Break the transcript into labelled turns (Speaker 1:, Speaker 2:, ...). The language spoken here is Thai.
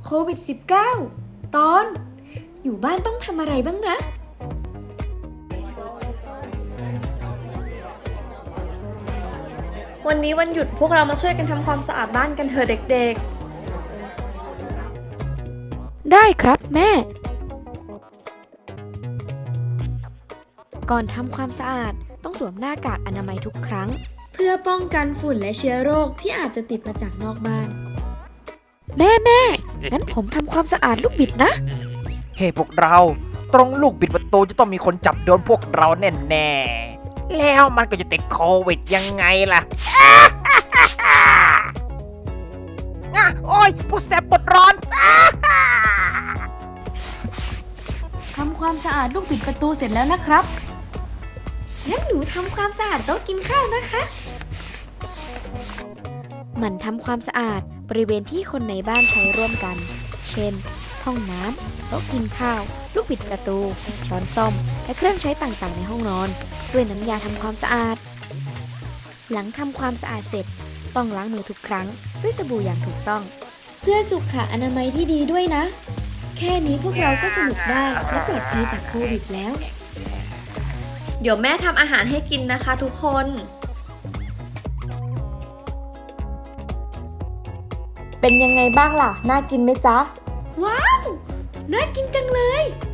Speaker 1: โควิด -19 ตอน อยู่บ้านต้องทำอะไรบ้างนะ
Speaker 2: วันนี้วันหยุดพวกเรามาช่วยกันทำความสะอาดบ้านกันเถอะเด็ก
Speaker 1: ได้ครับแม่ ก่อนทำความสะอาดต้องสวมหน้ากากอนามัยทุกครั้ง เพื่อป้องกันฝุ่นและเชื้อโรคที่อาจจะติดมาจากนอกบ้าน แม่งั้นผมทำความสะอาดลูกบิดนะ
Speaker 3: เฮ้พวกเราตรงลูกบิดประตูจะต้องมีคนจับโดนพวกเราแน่ๆแล้วมันก็จะติดโควิดยังไงล่ะ โอ้ยปวดแสบปวดร้อน
Speaker 1: ทำความสะอาดลูกบิดประตูเสร็จแล้วนะครับ งั้นหนูทำความสะอาดโต๊ะกินข้าวนะคะ มันทำความสะอาดบริเวณที่คนในบ้านใช้ร่วมกัน เช่น ห้องน้ำ โต๊ะกินข้าว ลูกบิดประตู ช้อนส้อม และเครื่องใช้ต่างๆในห้องนอน ด้วยน้ำยาทำความสะอาด หลังทำความสะอาดเสร็จ ต้องล้างมือทุกครั้งด้วยสบู่อย่างถูกต้อง เพื่อสุขอนามัยที่ดีด้วยนะ แค่นี้พวกเราก็สนุกได้และปลอดภัยจากโควิดแล้ว
Speaker 2: ๆ เดี๋ยวแม่ทำอาหารให้กินนะคะทุกคน เป็นยังไงบ้างล่ะ น่ากินไหมจ๊ะ
Speaker 1: ว้าว น่ากินจังเลย